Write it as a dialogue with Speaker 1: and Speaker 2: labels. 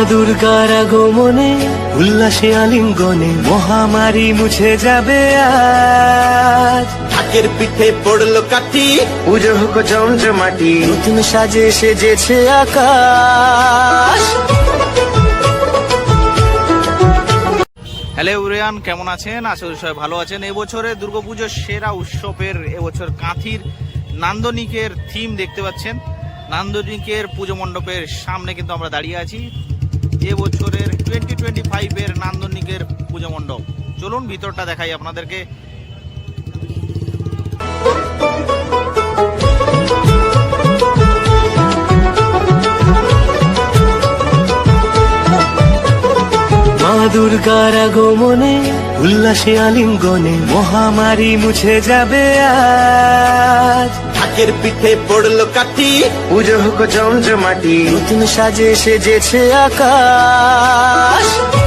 Speaker 1: দুর্গার আগমনে উল্লাসে আলিঙ্গনে মহামারী মুছে যাবে আজ।
Speaker 2: ঢাকের পিঠে পড়লো কাঠি,
Speaker 1: পুজো হোক জমজমাটি, নতুন সাজে সেজেছে আকাশ।
Speaker 3: হ্যালো এভরিওয়ান, কেমন আছেন? আশা করি সবাই ভালো আছেন। এবছরে দুর্গাপুজোর সেরা উৎসবের এবছর কাঁথির নান্দনিকের থিম দেখতে পাচ্ছেন। নান্দনিকের পুজো মণ্ডপের সামনে কিন্তু আমরা দাঁড়িয়ে আছি। এবছরের 2025 নান্দনিকের পুজো মণ্ডপ। চলুন ভিতরটা দেখাই আপনাদেরকে।
Speaker 1: মা দুর্গার আগমনে উল্লাসে আলিঙ্গনে মহামারী মুছে যাবে আজ।
Speaker 2: ঢাকের পিঠে পড়লো কাঠি,
Speaker 1: পুজো হোক জমজমাটি, নতুন সাজে সেজেছে আকাশ।